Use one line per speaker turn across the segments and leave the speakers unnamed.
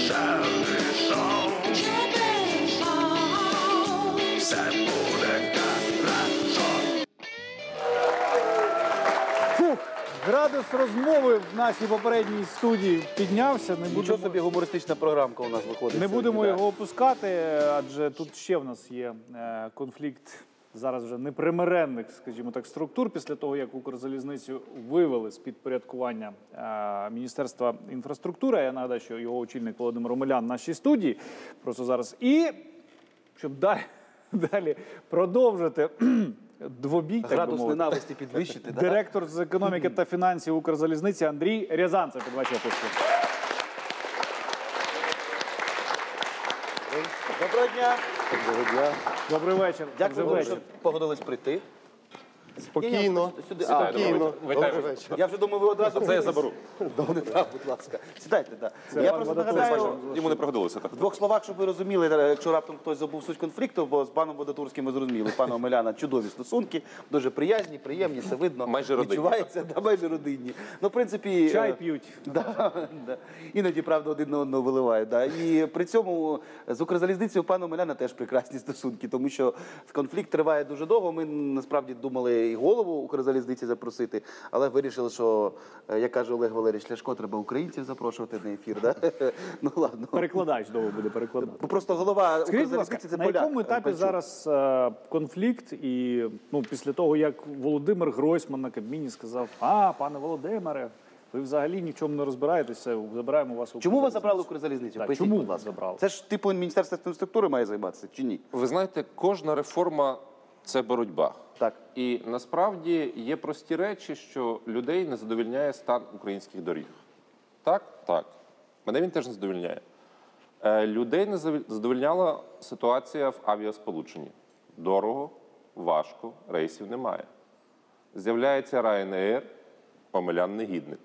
Градус розмови в нашій попередній студії піднявся.
Нічого собі гумористична програмка у нас виходить.
Не будемо його опускати, адже тут ще в нас є конфлікт зараз вже непримиренних, скажімо так, структур після того, як Укрзалізницю вивели з підпорядкування Міністерства інфраструктури. Я нагадаю, що його очільник Володимир Омелян в нашій студії просто зараз. І щоб далі продовжити двобій,
градус ненависті підвищити.
Директор з економіки та фінансів Укрзалізниці Андрій Рязанцев. Під ваші описки.
Доброго дня.
Доброго дня.
Добрий вечір.
Дякую, що погодились прийти.
Спокійно. Спокійно. Добрий вечір.
Я вже думаю, ви одразу...
Це я заберу.
Будь ласка. Сідайте, так. Я просто нагадаю,
Йому не пригодилося так.
в двох словах, щоб ви розуміли, якщо раптом хтось забув суть конфлікту, бо з паном Водотурським ми зрозуміли, пана Омеляна чудові стосунки, дуже приязні, приємні, це видно,
майже родинні.
Відчувається, майже родинні. Ну, в принципі...
Чай п'ють.
Іноді, правда, один на одного виливають. І при цьому з Укрзалізницею пана Омеляна теж прекрасні стосунки, тому що конфлікт триває дуже довго. Ми, насправді, думали і голову Укрзалізниці запросити, але вирішили, що, як каже Олег Валерійович Ляшко, треба українців запрошувати на ефір. Ну, ладно.
Перекладач довго буде перекладати.
Просто голова Укрзалізниці – це
на
поляк.
На якому етапі зараз конфлікт? І після того, як Володимир Гройсман на Кабміні сказав: пане Володимире, ви взагалі ні в чому не розбираєтеся, забираємо вас у Укрзалізницю.
Чому вас забрали Укрзалізницю?
Чому вас забрали?
Це ж, типу, Міністерство інфраструктури має займатися, чи ні?
Ви знаєте, кожна реформа – це боротьба.
Так.
І насправді є прості речі, що людей не задовольняє стан українських доріг. Так? Так. Мене він теж не задовольняє. Людей не задовольняла ситуація в авіасполученні. Дорого, важко, рейсів немає. З'являється Ryanair, Омелян негідник.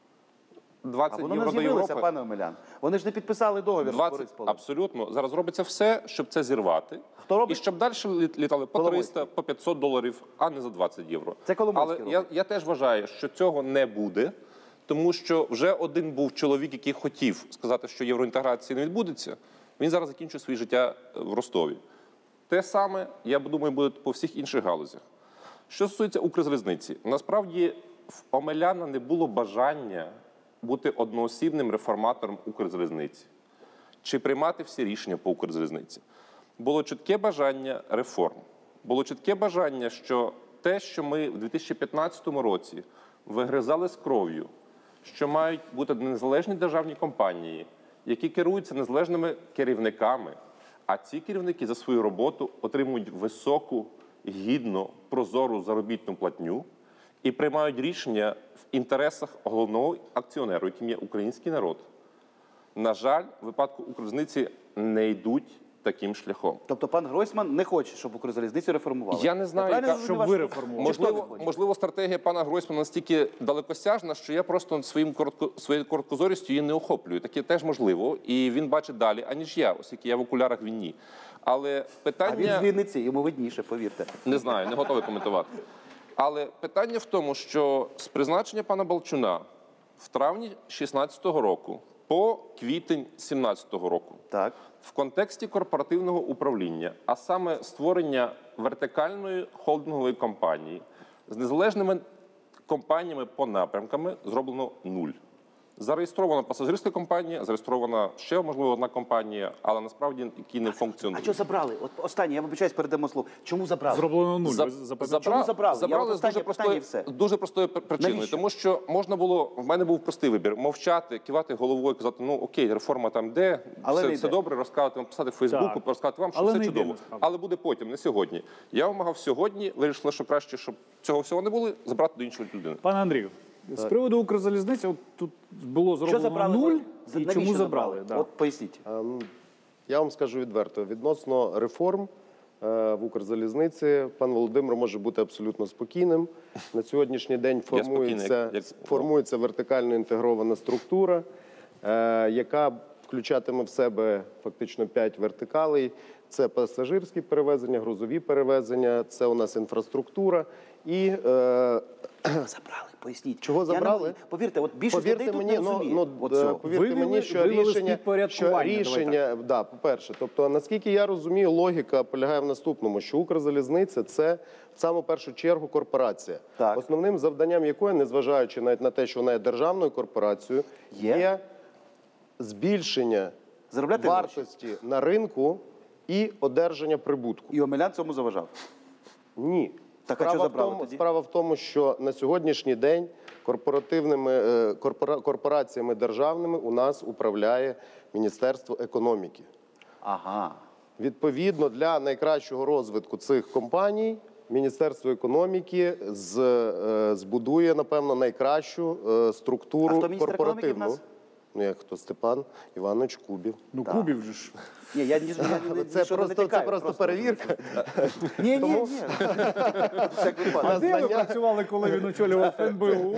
20
вони
євро
не
до
з'явилися,
Європи.
Пане Омелян. Вони ж не підписали договір.
20, абсолютно. Зараз робиться все, щоб це зірвати.
Хто робить?
І щоб далі літали по 300, по 500 доларів, а не за 20 євро.
Це Коломойський
Але я теж вважаю, що цього не буде, тому що вже один був чоловік, який хотів сказати, що євроінтеграції не відбудеться. Він зараз закінчує своє життя в Ростові. Те саме, я думаю, буде по всіх інших галузях. Що стосується Укрзалізниці, насправді в Омеляна не було бажання бути одноосібним реформатором Укрзалізниці чи приймати всі рішення по Укрзалізниці. Було чітке бажання реформ. Було чітке бажання, що те, що ми в 2015 році вигризали з кров'ю, що мають бути незалежні державні компанії, які керуються незалежними керівниками, а ці керівники за свою роботу отримують високу, гідну, прозору заробітну платню і приймають рішення в інтересах головного акціонеру, яким є український народ. На жаль, в випадку Укрзалізниці не йдуть таким шляхом.
Тобто пан Гройсман не хоче, щоб Укрзалізницю реформували?
Я не знаю,
щоб ви реформували.
Можливо, стратегія пана Гройсмана настільки далекосяжна, що я просто своєю короткозорістю її не охоплюю. Таке теж можливо. І він бачить далі, аніж я, оскільки я в окулярах, він ні. Але питання...
А він з Вінниці, йому видніше, повірте.
Не знаю, не готовий коментувати. Але питання в тому, що з призначення пана Балчуна в травні 2016 року по квітень 2017 року
Так.
в контексті корпоративного управління, а саме створення вертикальної холдингової компанії з незалежними компаніями по напрямками зроблено 0. Зареєстрована пасажирська компанія, зареєстрована ще, можливо, одна компанія, але насправді, які не функціонують.
А що забрали? От останнє, я вибачаюсь, передамо слово. Чому забрали?
Зроблено 0.
Чому забрали?
Забрали з дуже простої причини.
Навіщо?
Тому що можна було, в мене був простий вибір, мовчати, кивати головою, казати, ну окей, реформа там йде, все добре, розказати вам, писати в Фейсбуку, розказати вам, що все чудово. Але буде потім, не сьогодні. Я вимагав сьогодні, вирішили, що краще, щоб цього всього не було, забрати до іншої людини.
Пане Андрію, з приводу Укрзалізниці, от тут було зроблено 0, і чому забрали?
От поясніть.
Я вам скажу відверто, відносно реформ в Укрзалізниці пан Володимир може бути абсолютно спокійним. На сьогоднішній день формується вертикально інтегрована структура, яка включатиме в себе фактично 5 вертикалей. Це пасажирські перевезення, грузові перевезення, це у нас інфраструктура і
Забрали, поясніть.
Чого забрали?
Повірте, от більшість людей тут не розуміє.
Повірте мені, що рішення, да, по-перше, тобто, наскільки я розумію, логіка полягає в наступному, що Укрзалізниця – це в саму першу чергу корпорація.
Так.
Основним завданням якої, незважаючи навіть на те, що вона є державною корпорацією, є збільшення
Заробляти
вартості на ринку і одержання прибутку.
І Омелян цьому заважав.
Ні.
Так, а що забрали тоді?
Справа в тому, що на сьогоднішній день корпораціями державними у нас управляє Міністерство економіки.
Ага.
Відповідно, для найкращого розвитку цих компаній Міністерство економіки збудує, напевно, найкращу структуру
А хто міністр економіки в
корпоративну.
нас?
Ну, як хто? Степан Іванович Кубів.
Ну, Кубів же ж.
Ні, я
Це просто перевірка.
Ні. Всяк
А
випадок.
де ви працювали, коли він очолював НБУ?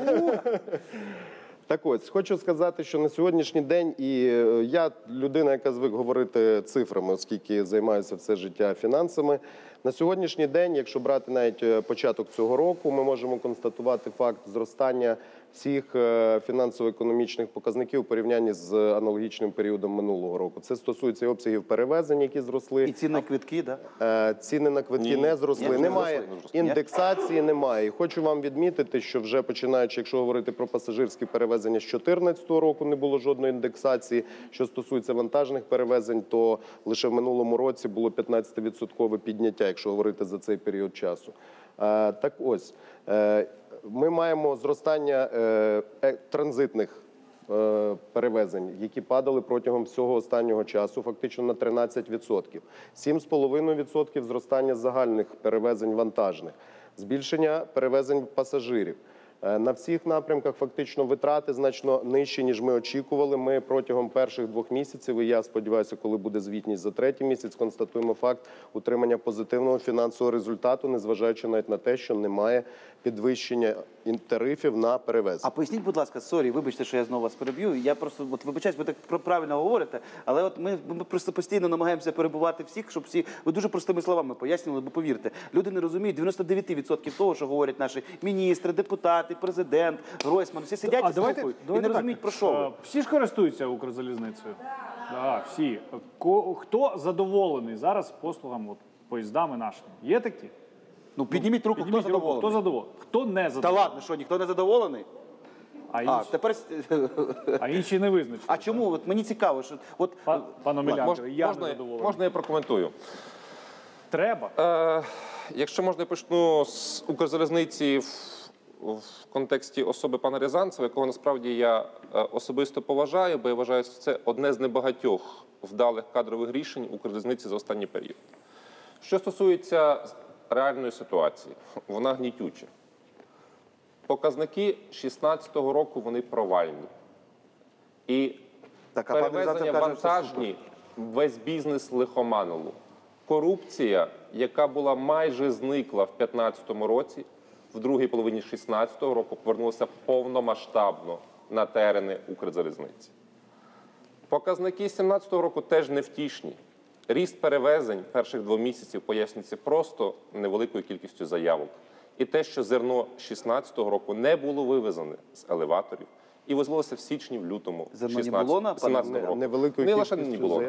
Так ось, хочу сказати, що на сьогоднішній день, і я людина, яка звик говорити цифрами, оскільки займаюся все життя фінансами, на сьогоднішній день, якщо брати навіть початок цього року, ми можемо констатувати факт зростання всіх фінансово-економічних показників у порівнянні з аналогічним періодом минулого року. Це стосується і обсягів перевезень, які зросли.
І ціни на квитки, так?
Ціни на квитки не зросли.
Ні,
Немає
не зросли.
індексації, немає. І хочу вам відмітити, що вже починаючи, якщо говорити про пасажирські перевезення з 2014 року, не було жодної індексації. Що стосується вантажних перевезень, то лише в минулому році було 15% підняття, якщо говорити за цей період часу. Так ось, ми маємо зростання транзитних перевезень, які падали протягом всього останнього часу, фактично на 13%. 7,5% зростання загальних перевезень вантажних, збільшення перевезень пасажирів. На всіх напрямках фактично витрати значно нижчі, ніж ми очікували. Ми протягом перших 2 місяців, і я сподіваюся, коли буде звітність за 3-й місяць, констатуємо факт утримання позитивного фінансового результату, незважаючи навіть на те, що немає підвищення тарифів на перевезення.
А поясніть, будь ласка, вибачте, що я знову вас переб'ю. Я просто вибачаюсь, ви так правильно говорите, але от ми просто постійно намагаємося перебувати всіх, щоб всі ви дуже простими словами пояснювали, бо повірте, люди не розуміють 99% того, що говорять наші міністри, депутати, президент, Гройсман, всі сидять і слухають і не розуміють, про що ви.
Всі ж користуються Укрзалізницею? Так, всі. Хто задоволений зараз послугами, поїздами нашими? Є такі?
Ну, підніміть руку, хто задоволений.
Хто задоволений? Хто не
Та
задоволений?
ладно, що, ніхто не задоволений? Тепер...
А інші не визначені.
А чому? От мені цікаво, що...
Пан Омелян, я не задоволений.
Можна я прокоментую?
Треба.
Якщо можна, я почну з Укрзалізниці в контексті особи пана Рязанцева, якого насправді я особисто поважаю, бо я вважаю, що це одне з небагатьох вдалих кадрових рішень Укрзалізниці за останній період. Що стосується реальної ситуації, вона гнітюча. Показники 2016 року, вони провальні. І перевезення вантажні, весь бізнес лихоманило. Корупція, яка була майже зникла в 2015 році, в другій половині 2016 року повернулася повномасштабно на терени Укрзалізниці. Показники 2017 року теж невтішні. Ріст перевезень перших 2 місяців пояснюється просто невеликою кількістю заявок. І те, що зерно 2016 року не було вивезене з елеваторів і визволося в січні, в лютому 2017 року.
Невеликою
Не лише не було.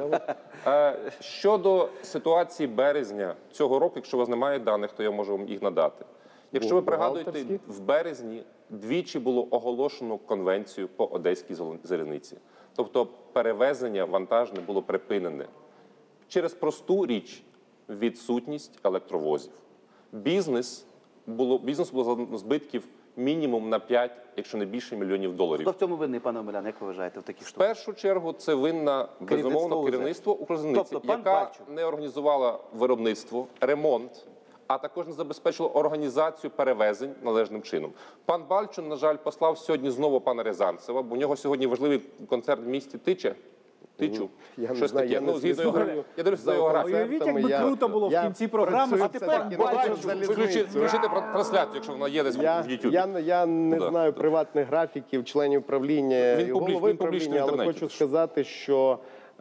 Щодо ситуації березня цього року, якщо у вас немає даних, то я можу вам їх надати. Якщо ви пригадуєте, в березні двічі було оголошено конвенцію по Одеській залізниці. Тобто перевезення вантажне було припинене. Через просту річ – відсутність електровозів. Бізнесу було збитків мінімум на 5, якщо не більше, мільйонів доларів.
Хто в цьому винний, пане Омелян, як ви вважаєте, в такій
В
штуці?
першу чергу це винна, безумовно, керівництво Укрзалізниці,
Тобто, пан
яка
Бальчук
не організувала виробництво, ремонт, а також не забезпечила організацію перевезень належним чином. Пан Бальчун, на жаль, послав сьогодні знову пана Рязанцева, бо у нього сьогодні важливий концерт в місті Тиче, Ти чув?
Я не
Щось
знаю,
таке.
я не
Ну, згідно
слідкую
його, я дивлюся
за
його
окремими
графік.
Уявіть, якби
Я-
круто було в
я
кінці програми,
працюю
а тепер
все-таки
бачиш,
на залізниці.
Включити трансляцію, якщо вона є десь в Ютубі.
Я не
Да.
знаю приватних графіків членів правління
Він
і
публічний,
голови
він публічний
правління,
в
але
інтернеті
хочу
теж.
сказати, що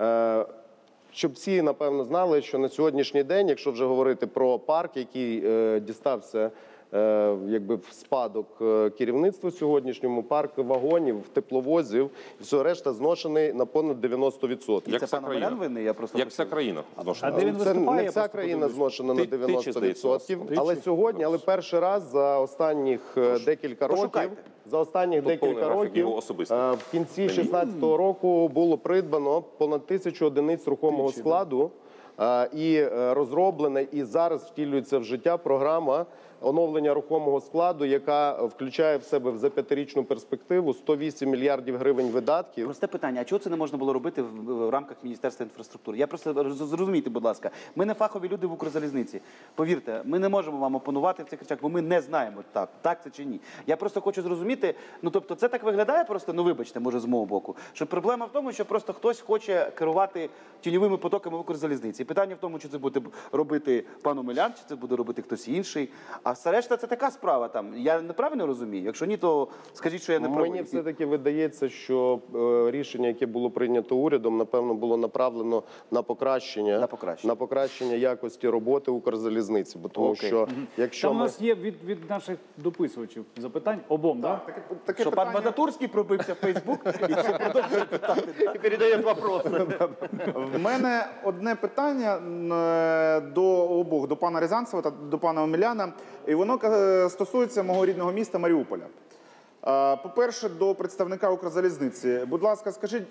щоб всі, напевно, знали, що на сьогоднішній день, якщо вже говорити про парк, який дістався якби в спадок керівництву сьогоднішньому, парк вагонів, тепловозів, і все решта зношений на понад 90%.
Як
Це
вся
пан
країна.
Омелян винний? Я просто
Як вся країна
А
зношена.
де він
Це
виступає?
не
Я
вся
просто
країна
подивлюсь.
зношена на
Ти- ти чи здається,
90%,
Ти
але
чи?
сьогодні, але перший раз за останніх декілька років,
пошукайте.
декілька
повний графік
років
його особистий.
в кінці 2016 року було придбано понад 1000 одиниць рухомого складу і розроблена і зараз втілюється в життя програма оновлення рухомого складу, яка включає в себе за 5-річну перспективу 108 мільярдів гривень видатків.
Просте питання, а чого це не можна було робити в рамках Міністерства інфраструктури? Я просто зрозумійте, будь ласка, ми не фахові люди в Укрзалізниці. Повірте, ми не можемо вам опонувати в цих речах, бо ми не знаємо, так це чи ні. Я просто хочу зрозуміти, ну тобто це так виглядає просто, ну вибачте, може з мого боку, що проблема в тому, що просто хтось хоче керувати тіньовими потоками в Укрзалізниці. І питання в тому, чи це буде робити пан Омелян, чи це буде робити хтось інший. А все решта це така справа там. Я неправильно розумію? Якщо ні, то скажіть, що я не правий.
Мені все-таки видається, що рішення, яке було прийнято урядом, напевно, було направлено на покращення якості роботи Укрзалізниці. Бо тому
Окей.
що якщо
Там у
ми...
нас є від наших дописувачів запитань обом, так?
Таке
Що пан
питання.
Вадатурський пробився в Фейсбук і ще продовжує питати. І передає вопроси.
В мене одне питання до обох, до пана Рязанцева та до пана Омеляна, і воно стосується мого рідного міста Маріуполя. По-перше, до представника Укрзалізниці. Будь ласка, скажіть,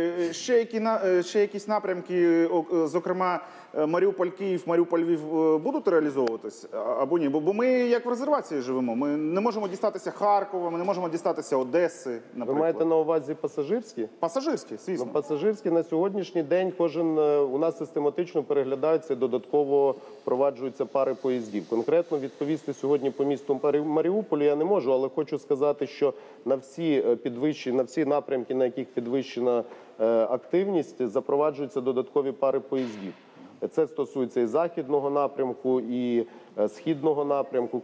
ще якісь напрямки, зокрема Маріуполь-Київ, Маріуполь-Львів, будуть реалізовуватись або ні? Бо ми як в резервації живемо. Ми не можемо дістатися Харкова, ми не можемо дістатися Одеси,
Ви
наприклад.
маєте на увазі пасажирські?
Пасажирські,
Ну,
звісно.
пасажирські на сьогоднішній день у нас систематично переглядаються, додатково впроваджуються пари поїздів. Конкретно відповісти сьогодні по місту Маріуполю я не можу, але хочу сказати, що на всі напрямки, на яких підвищена активність, запроваджуються додаткові пари поїздів. Це стосується і західного напрямку, і східного напрямку.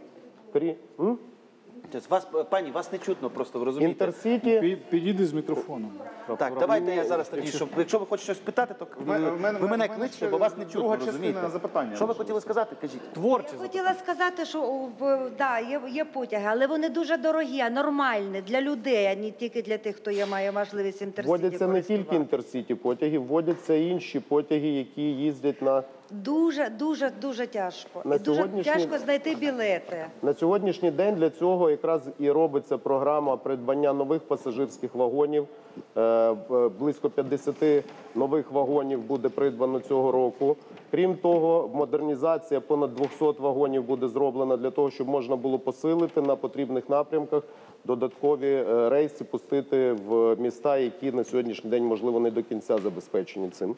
Пані, вас не чутно просто, ви розумієте?
Інтерсіті.
Підійди з мікрофоном.
Так, давайте я зараз тоді, якщо ви хочете щось питати, то ви мене кличте, бо вас не чутно,
друга
розумієте?
частина запитання.
Що ви хотіли сказати? Кажіть.
Творче
Я хотіла сказати, що є потяги, але вони дуже дорогі, а нормальні для людей, а не тільки для тих, хто має можливість інтерсіті
Вводяться не тільки
користуватися.
інтерсіті потяги, вводяться інші потяги, які їздять на...
Дуже тяжко.
На
І дуже
сьогоднішній-
тяжко знайти білети.
На сьогоднішній день для цього якраз і робиться програма придбання нових пасажирських вагонів. Близько 50 нових вагонів буде придбано цього року. Крім того, модернізація понад 200 вагонів буде зроблена для того, щоб можна було посилити на потрібних напрямках додаткові рейси, пустити в міста, які на сьогоднішній день, можливо, не до кінця забезпечені цим.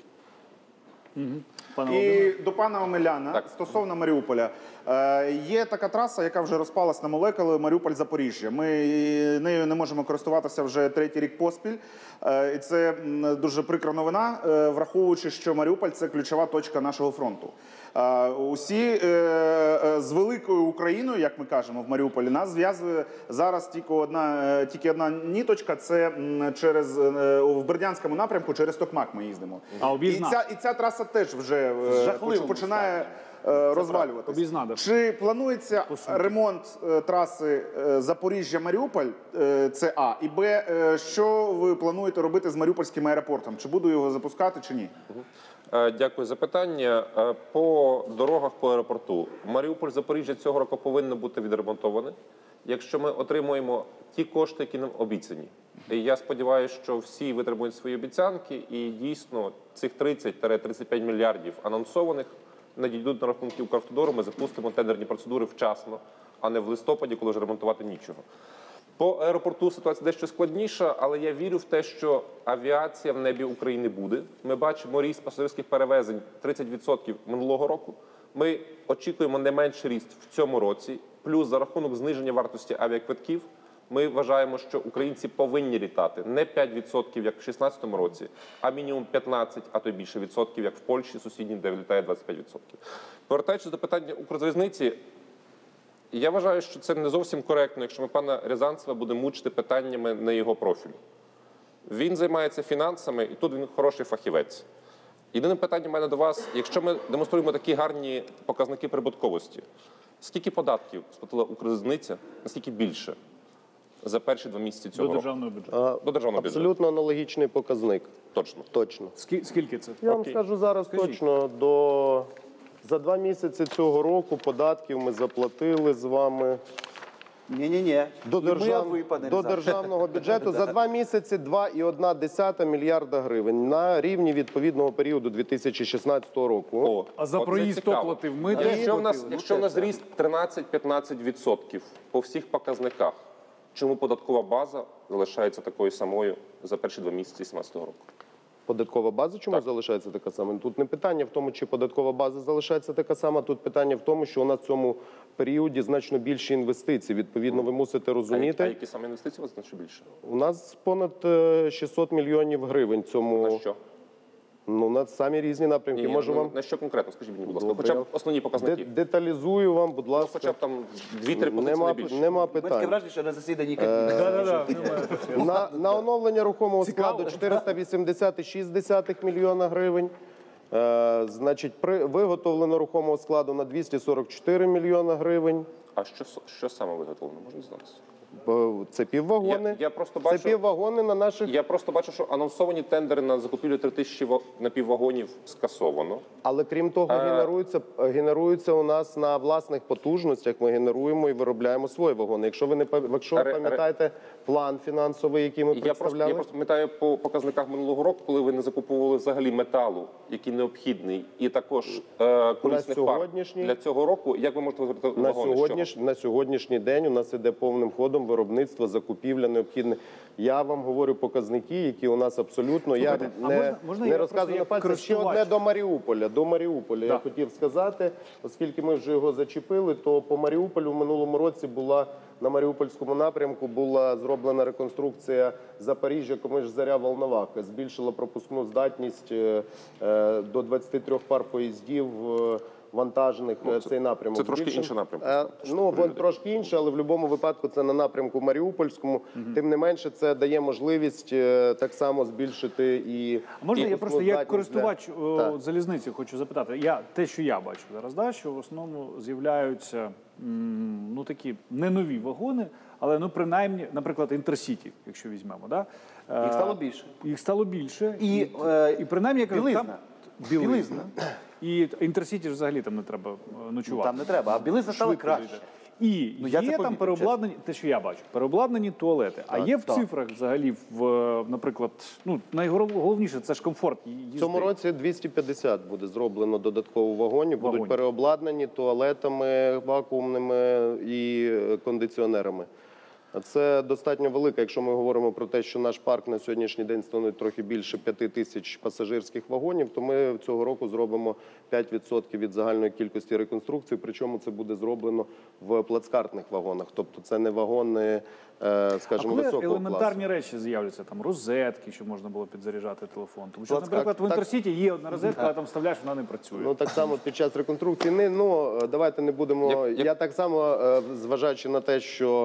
І до пана Омеляна стосовно Маріуполя. Є така траса, яка вже розпалась на молекули Маріуполь-Запоріжжя. Ми нею не можемо користуватися вже 3-й рік поспіль. І це дуже прикра новина, враховуючи, що Маріуполь – це ключова точка нашого фронту. Усі з великою Україною, як ми кажемо, в Маріуполі, нас зв'язує зараз тільки одна ніточка. Це в Бердянському напрямку через Токмак ми їздимо.
А Обізна?
І ця траса теж вже
жахливому
починає розвалюватися.
Обізна, да.
Чи планується ремонт траси Запоріжжя-Маріуполь? Це А. І Б. Що ви плануєте робити з Маріупольським аеропортом? Чи буду його запускати, чи ні?
Дякую за питання. По дорогах по аеропорту. Маріуполь-Запоріжжя цього року повинно бути відремонтоване, якщо ми отримуємо ті кошти, які нам обіцяні. І я сподіваюся, що всі витримують свої обіцянки і дійсно цих 30-35 мільярдів анонсованих надійдуть на рахунки Укравтодору, ми запустимо тендерні процедури вчасно, а не в листопаді, коли вже ремонтувати нічого. По аеропорту ситуація дещо складніша, але я вірю в те, що авіація в небі України буде. Ми бачимо ріст пасажирських перевезень 30% минулого року. Ми очікуємо не менший ріст в цьому році. Плюс за рахунок зниження вартості авіаквитків Ми вважаємо, що українці повинні літати не 5%, як в 2016 році, а мінімум 15, а то й більше відсотків, як в Польщі сусідній, де літає 25%. Повертаючись до питання Укрзалізниці, я вважаю, що це не зовсім коректно, якщо ми пана Рязанцева будемо мучити питаннями на його профілю. Він займається фінансами, і тут він хороший фахівець. Єдине питання в мене до вас, якщо ми демонструємо такі гарні показники прибутковості, скільки податків сплатила Укрзалізниця, наскільки більше за перші 2 місяці
До
цього року?
державного бюджету.
До державного бюджету.
Абсолютно аналогічний показник.
Точно.
Точно.
Скільки це?
Я вам
Окей.
скажу зараз точно, за 2 місяці цього року податків ми заплатили з вами
Ні-ні-ні.
до,
І ми, а ви, пане
до
Рязанцев.
державного бюджету за 2 місяці 2,1 мільярда гривень на рівні відповідного періоду 2016 року.
О,
А за
оце
проїзд хто
цікаво.
платив? Ми теж
Якщо в нас
платили.
ріст 13-15% по всіх показниках, чому податкова база залишається такою самою за перші 2 місяці 2017 року?
Податкова база чому залишається така сама? Тут не питання в тому, чи податкова база залишається така сама. Тут питання в тому, що у нас в цьому періоді значно більші інвестиції. Відповідно, ви мусите розуміти.
А які саме інвестиції у вас значно більше?
У нас понад 600 мільйонів гривень цьому.
На що?
Ну, на самі різні напрямки. Можу вам
На що конкретно? Скажіть мені, будь ласка.
Добре.
Хоча б основні показники.
деталізую вам, будь ласка.
Хоча б там 2-3 позиції не більше.
Нема
Ми таке
питань.
враження, що на засіданні Кабміну.
Да-да-да, немає.
На оновлення рухомого
Цікаво.
складу 480,6 мільйона гривень. Значить, виготовлено рухомого складу на 244 мільйона гривень.
А що саме виготовлено? Можна дізнатися?
Це піввагони.
Я просто бачу-
Це піввагони на наших.
Я просто бачу, що анонсовані тендери на закупівлю 3000 напіввагонів скасовано.
Але крім того, генеруються у нас на власних потужностях. Ми генеруємо і виробляємо свої вагони. Якщо ви пам'ятаєте план фінансовий, який ми
Я
представляли,
просто пам'ятаю по показниках минулого року, коли ви не закуповували взагалі металу, який необхідний, і також колісних пар
сьогоднішній-
для цього року. Як ви можете виробити вагони? з чого?
на сьогоднішній день у нас іде повним ходом виробництво, закупівля необхідне. Я вам говорю показники, які у нас абсолютно. Я
а можна
не
я
розказую
просто
на
як
пальцях. Ще
користувач?
одне до Маріуполя. Я хотів сказати, оскільки ми вже його зачепили, то по Маріуполю в минулому році на Маріупольському напрямку була зроблена реконструкція Запоріжжя, Комиш-Заря, Волноваха. Збільшила пропускну здатність до 23 пар поїздів вантажних цей напрямок.
це трошки
збільшений.
інший напрямок.
Він трошки інший, але в будь-якому випадку це на напрямку Маріупольському. Тим не менше, це дає можливість так само збільшити і
А можна я просто як
здатність
користувач
Так.
залізниці хочу запитати? Те, що я бачу зараз, що в основному з'являються ну такі не нові вагони, але ну принаймні, наприклад, Інтерсіті, якщо візьмемо, да?
Їх стало більше.
Їх стало більше.
І,
І принаймні, я кажу,
білизна.
там білизна. І Інтерсіті ж взагалі там не треба ночувати.
Там не треба, а білизна стала
Швидко
краще.
дійде. І
Ну, я це
є там
помітив,
переобладнані, те, що я бачу, переобладнані туалети. А є в
так.
цифрах взагалі, наприклад, найголовніше це ж комфорт їзди.
В цьому році 250 буде зроблено додатково вагонів, будуть
Вагонів.
переобладнані туалетами вакуумними і кондиціонерами. Це достатньо велика, якщо ми говоримо про те, що наш парк на сьогоднішній день становить трохи більше 5 тисяч пасажирських вагонів, то ми цього року зробимо 5% від загальної кількості реконструкцій, причому це буде зроблено в плацкартних вагонах. Тобто це не вагони, скажімо,
коли
високого
елементарні
класу.
речі з'являться, там розетки, щоб можна було підзаряджати телефон. Тому що,
Плацкарт,
наприклад, в
так.
Інтерсіті є одна розетка, але там вставляєш, вона не працює.
Ну так само під час реконструкції. Давайте не будемо. Я так само, зважаючи на те, що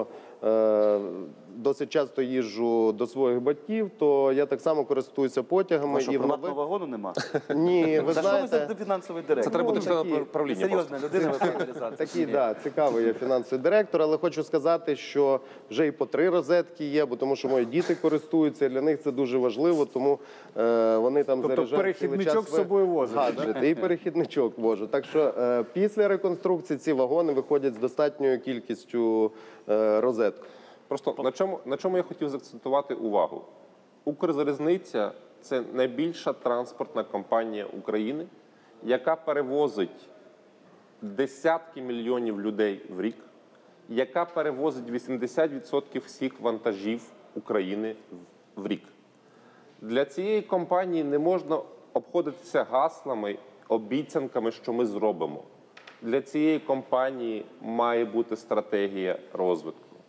досить часто їжджу до своїх батьків, то я так само користуюся потягами.
Що, приватного вагону нема?
Ні, ви
За що ви
знаєте,
за фінансовий директор?
Це треба бути членом
такі-
правління.
Серйозна людина, ви пане Рязанцев.
такий, цікавий я фінансовий директор, але хочу сказати, що вже і по 3 розетки є, бо тому що мої діти користуються, і для них це дуже важливо, тому вони там
Тобто
заряджають
перехідничок
цілий час
з собою возите,
гаджети, і перехідничок вожу. Так що після реконструкції ці вагони виходять з достатньою кількістю розеток.
Просто на чому я хотів заакцентувати увагу? Укрзалізниця – це найбільша транспортна компанія України, яка перевозить десятки мільйонів людей в рік, яка перевозить 80% всіх вантажів України в рік. Для цієї компанії не можна обходитися гаслами, обіцянками, що ми зробимо. Для цієї компанії має бути стратегія розвитку.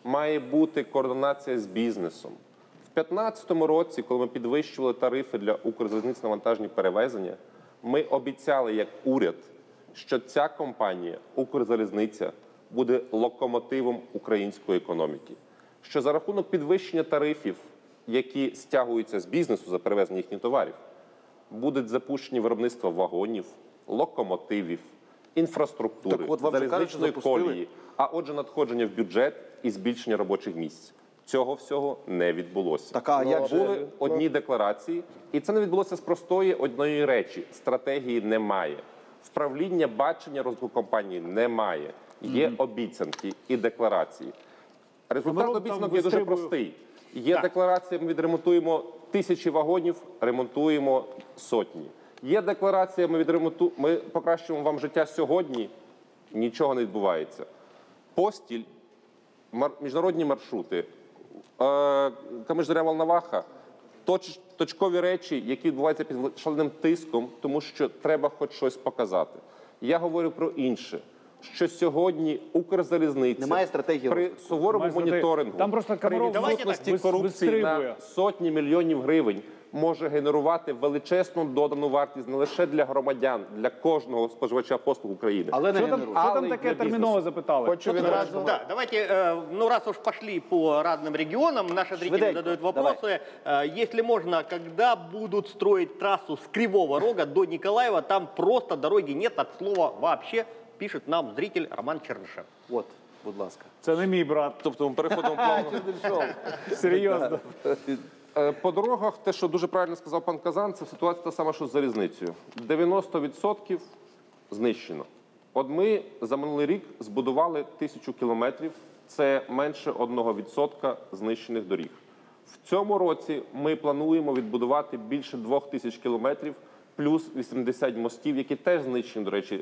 має бути координація з бізнесом. В 2015 році, коли ми підвищували тарифи для Укрзалізниць на вантажні перевезення, ми обіцяли як уряд, що ця компанія, Укрзалізниця, буде локомотивом української економіки. Що за рахунок підвищення тарифів, які стягуються з бізнесу за перевезення їхніх товарів, будуть запущені виробництва вагонів, локомотивів, інфраструктури,
Так от вам же кажуть, що
залізничної
запустили.
колії, а отже надходження в бюджет і збільшення робочих місць. Цього всього не відбулося.
Так, а як же?
Були одні декларації, і це не відбулося з простої одної речі. Стратегії немає. Вправління, бачення розвитку компанії немає. Є обіцянки і декларації. Результат
Комаров
обіцянок
там
є дуже
вистрибує.
простий. Є декларація, ми відремонтуємо 1000 вагонів, ремонтуємо сотні. Є декларація, ми покращуємо вам життя сьогодні, нічого не відбувається. Постіль, міжнародні маршрути, Камиш-Зоря-Волноваха, точкові речі, які відбуваються під шаленим тиском, тому що треба хоч щось показати. Я говорю про інше, що сьогодні Укрзалізниця
Немає стратегії
при
розвитку.
суворому
Немає стратегії.
моніторингу,
Там просто
при
Комаров
відсутності
вис-
корупції
вистрибує.
на сотні мільйонів гривень може генерувати величезну додану вартість не лише для громадян, для кожного споживача послуг України.
Але не
Що там,
генерує.
що
Але
там
й
таке
для бізнесу.
терміново запитали?
Хочу відразу
Да, давайте, ну раз уж пошли по разным регионам, наши зрители
Швиденько,
задают вопросы. Если можно, когда будут строить трассу с Кривого Рога до Николаева, там просто дороги нет от слова вообще, пишет нам зритель Роман Чернышев.
От, будь ласка.
Це не мій брат.
Тобто ми переходимо плавно.
Серйозно.
По дорогах, те, що дуже правильно сказав пан Казан, це ситуація та сама, що з залізницею. 90% знищено. От ми за минулий рік збудували 1000 кілометрів, це менше 1% знищених доріг. В цьому році ми плануємо відбудувати більше 2000 кілометрів, плюс 80 мостів, які теж знищені, до речі,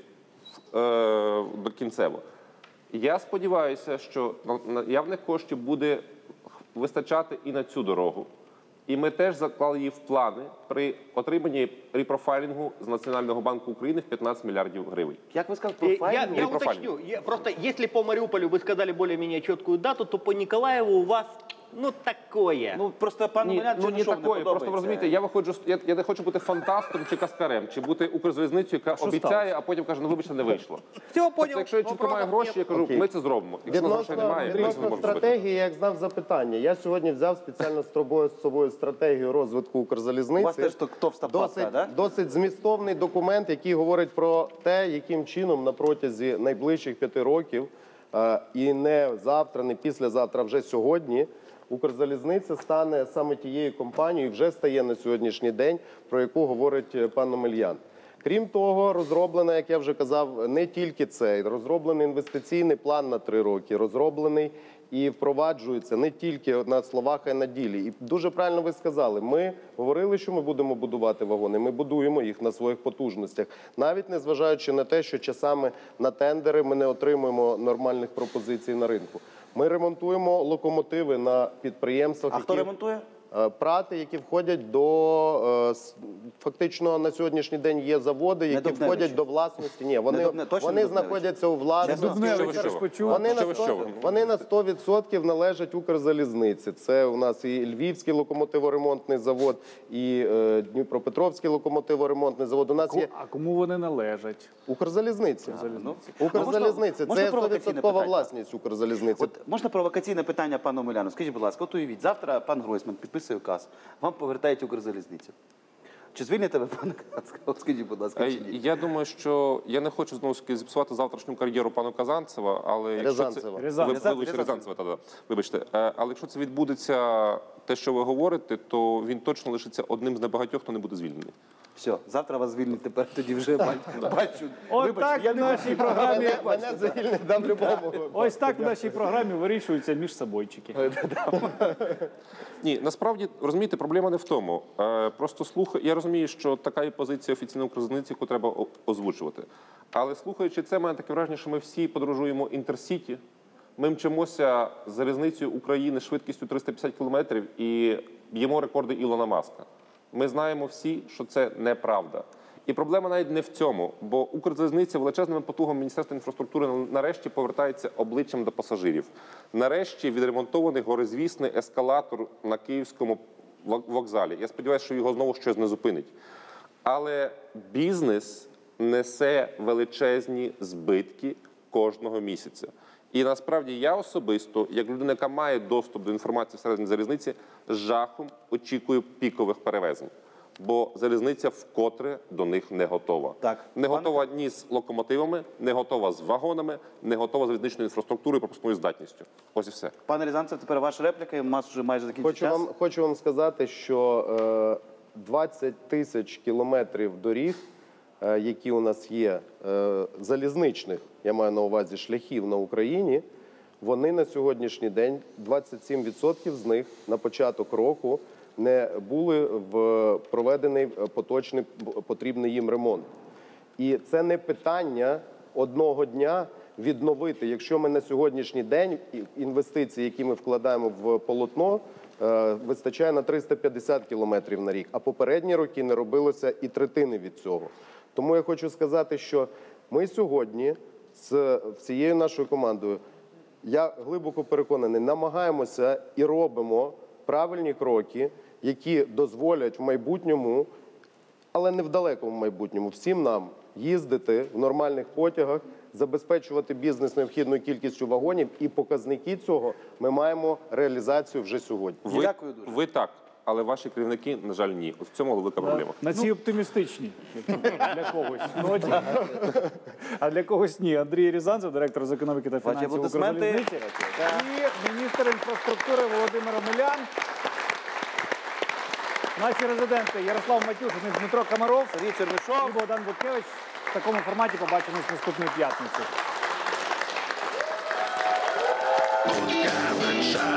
кінцево. Я сподіваюся, що наявних коштів буде вистачати і на цю дорогу. І ми теж заклали її в плани при отриманні репрофайлінгу з Національного банку України в 15 мільярдів гривень.
Як ви сказали,
Я,
профайлінг?
я уточню, просто если по Мариуполю вы сказали более-менее четкую дату, то по Николаеву у вас, ну, такое.
Ну, просто пан Омелян
Ну, не
Чернишов не
такое. Просто
подобається.
ви розумієте, я не хочу бути фантастом чи каскарем, чи бути Укрзалізницею, яка обіцяє, а потім каже, ну вибачте, не вийшло.
Все, понял.
Тобто, якщо я чітко маю гроші, я кажу,
Окей.
ми це зробимо. Якщо грошей немає, ми це не
Відносно
можемо зробити.
стратегії, я як знав запитання. Я сьогодні взяв спеціально з собою стратегію розвитку Укрзалізниці.
У вас теж товста папка, да?
Досить змістовний документ, який говорить про те, яким чином на протязі найближчих 5 років, і не завтра, не післязавтра, а вже сьогодні, Укрзалізниця стане саме тією компанією, вже стає на сьогоднішній день, про яку говорить пан Омелян. Крім того, розроблено, як я вже казав, не тільки це, розроблений інвестиційний план на 3 роки, розроблений і впроваджується не тільки на словах, а й на ділі. І дуже правильно ви сказали, ми говорили, що ми будемо будувати вагони, ми будуємо їх на своїх потужностях, навіть незважаючи на те, що часами на тендери ми не отримуємо нормальних пропозицій на ринку. Ми ремонтуємо локомотиви на підприємствах.
А хто ремонтує?
Прати, які входять до, фактично на сьогоднішній день є заводи, які
Дубневичі?
входять до власності. Ні, вони,
Точно не
вони
Дубневичі?
знаходяться у власності.
Дубневич,
що ви?
розпочув.
Вони на 100% належать Укрзалізниці. Це у нас і Львівський локомотиворемонтний завод, і Дніпропетровський локомотиворемонтний завод. У нас є
А кому вони належать?
Укрзалізниці.
Ну,
Укрзалізниця.
можна
Це
провокаційне
100%
питання?
власність Укрзалізниці.
От можна провокаційне питання пану Омеляну? Скажіть, будь ласка, от уявіть, завтра пан Гройсман підписує указ, вам повертають Укрзалізницю. Чи звільните ви пана Казанцева? От скажіть, будь ласка, чи ні?
Я думаю, що я не хочу знову ж таки зіпсувати завтрашню кар'єру пану Казанцева, але
Рязанцева.
Рязанцева. Вибачте, але якщо це відбудеться, те, що ви говорите, то він точно лишиться одним з небагатьох, хто не буде звільнений.
Все, завтра вас звільнять, тепер тоді вже бачу.
От так в нашій програмі.
Мене звільнить дам любому.
Ось так в нашій програмі вирішуються між собойчики.
Ні, насправді, розумієте, проблема не в тому. Просто я розумію, що така є позиція офіційної Укрзалізниці, яку треба озвучувати. Але слухаючи це, мене таке враження, що ми всі подорожуємо інтерсіті, ми мчимося з залізницею України швидкістю 350 кілометрів і б'ємо рекорди Ілона Маска. Ми знаємо всі, що це неправда. І проблема навіть не в цьому, бо Укрзалізниця величезними потугами Міністерства інфраструктури нарешті повертається обличчям до пасажирів. Нарешті відремонтований горизвісний ескалатор на Київському вокзалі. Я сподіваюся, що його знову щось не зупинить. Але бізнес несе величезні збитки кожного місяця. І насправді я особисто, як людина, яка має доступ до інформації всередині залізниці, з жахом очікую пікових перевезень. Бо залізниця вкотре до них не готова.
Так.
Не готова ні з локомотивами, не готова з вагонами, не готова з залізничною інфраструктурою і пропускною здатністю. Ось і все.
Пане Рязанцев, тепер ваша репліка, у нас вже майже закінчився час.
Хочу вам сказати, що 20 тисяч кілометрів доріг, які у нас є, залізничних, я маю на увазі шляхів на Україні, вони на сьогоднішній день, 27% з них на початок року не були проведений поточний потрібний їм ремонт. І це не питання одного дня відновити. Якщо ми на сьогоднішній день інвестиції, які ми вкладаємо в полотно, вистачає на 350 кілометрів на рік, а попередні роки не робилося і третини від цього. Тому я хочу сказати, що ми сьогодні з всією нашою командою, я глибоко переконаний, намагаємося і робимо правильні кроки, які дозволять в майбутньому, але не в далекому майбутньому, всім нам їздити в нормальних потягах, забезпечувати бізнес необхідною кількістю вагонів, і показники цього ми маємо реалізацію вже сьогодні.
Дякую дуже.
Ви так, але ваші керівники, на жаль, ні. Ось в цьому велика проблема.
На цій оптимістичній для когось ноті, а для когось ні. Андрій Рязанцев, директор з економіки та
Ваші
фінансів
аплодисменти.
Укрзалізниці, і міністр інфраструктури Володимир Омелян. Наші резиденти Ярослав Матюшин і Дмитро Комаров.
Сергій Чернишов.
І Богдан Буткевич. В такому форматі побачимось наступної п'ятниці.
Буткевича.